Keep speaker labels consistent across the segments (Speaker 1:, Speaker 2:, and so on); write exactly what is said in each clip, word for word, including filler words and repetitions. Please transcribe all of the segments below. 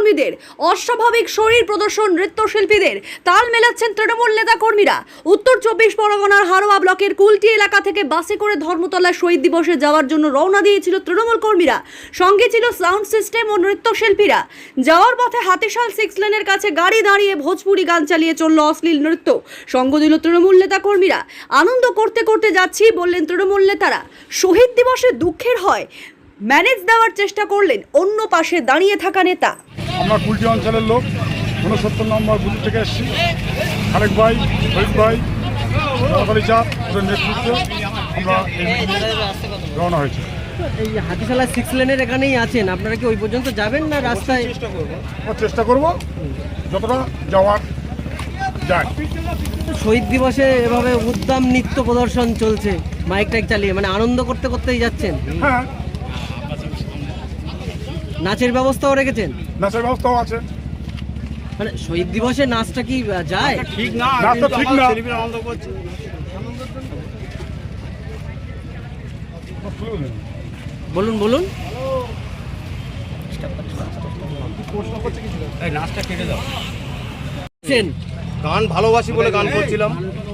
Speaker 1: কর্মীদের, অস্বাভাবিক শরীর প্রদর্শন নৃত্যশিল্পীদের তাল মেলাচ্ছেন তৃণমূল নেতা কর্মীরা। উত্তর চব্বিশ পরগনার হারোয়া ব্লকের কুলটি এলাকা থেকে বাসে করে ধর্মতলা শহীদ দিবসে যাওয়ার জন্য রওনা দিয়েছিল তৃণমূল কর্মীরা। সঙ্গে ছিল সাউন্ড সিস্টেম ও নৃত্যশিল্পীরা। যাওয়ার পথে হাতিশাল সিক্স লেনের কাছে গাড়ি দাঁড়িয়ে ভোজপুরি গান চালিয়ে চলল অশ্লীল নৃত্য। সঙ্গ দিল তৃণমূল নেতা কর্মীরা। আনন্দ করতে করতে যাচ্ছি বললেন তৃণমূল নেতারা। শহীদ দিবসে দুঃখের হয় ম্যানেজ দেওয়ার চেষ্টা করলেন অন্য পাশে দাঁড়িয়ে থাকা নেতা।
Speaker 2: আমরা কুলটি অঞ্চলের লোক, ঊনসত্তর নম্বর বুথ থেকে এসেছি। খালেক ভাই, শহীদ ভাই, নওয়ালি চাঁদ ওদের নেতৃত্বে আমরা রওনা হয়েছি।
Speaker 3: এই হাতিশালা সিক্স লেনের এখানেই আছেন, আপনারা কি ওই পর্যন্ত যাবেন না রাস্তায়?
Speaker 2: আমরা চেষ্টা করব যতটা যাওয়ার যায়।
Speaker 3: শহীদ দিবসে এভাবে উদ্দাম নৃত্য প্রদর্শন চলছে মাইক টাইক চালিয়ে, মানে আনন্দ করতে করতেই যাচ্ছেন।
Speaker 2: হ্যাঁ,
Speaker 3: নাচের ব্যবস্থাও রেখেছেন?
Speaker 2: নাচের ব্যবস্থাও আছে।
Speaker 3: মানে শহীদ দিবসে নাচটা কি যায়?
Speaker 2: ঠিক না, নাচটা ঠিক না।
Speaker 3: বলুন বলুন।
Speaker 4: গান ভালোবাসি বলে গান করছিলাম।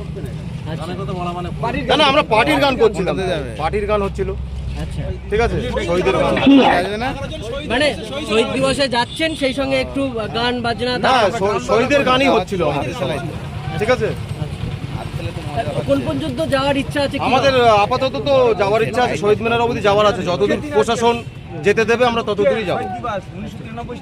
Speaker 4: না না, আমরা পার্টির গান করছিলাম, পার্টির গান হচ্ছিল।
Speaker 3: আচ্ছা,
Speaker 4: ঠিক আছে, শহীদের গান।
Speaker 3: মানে শহীদ দিবসে যাচ্ছেন, সেই সঙ্গে একটু গান বাজনা?
Speaker 4: না, শহীদের গানই হচ্ছিল আমাদের সবাই। ঠিক আছে,
Speaker 3: কোন পর্যন্ত যাওয়ার ইচ্ছা আছে?
Speaker 4: আমাদের আপাতত তো যাওয়ার ইচ্ছা আছে, শহীদ মিনার অবধি যাওয়ার আছে। যতদূর প্রশাসন যেতে দেবে আমরা ততদূরই যাবো।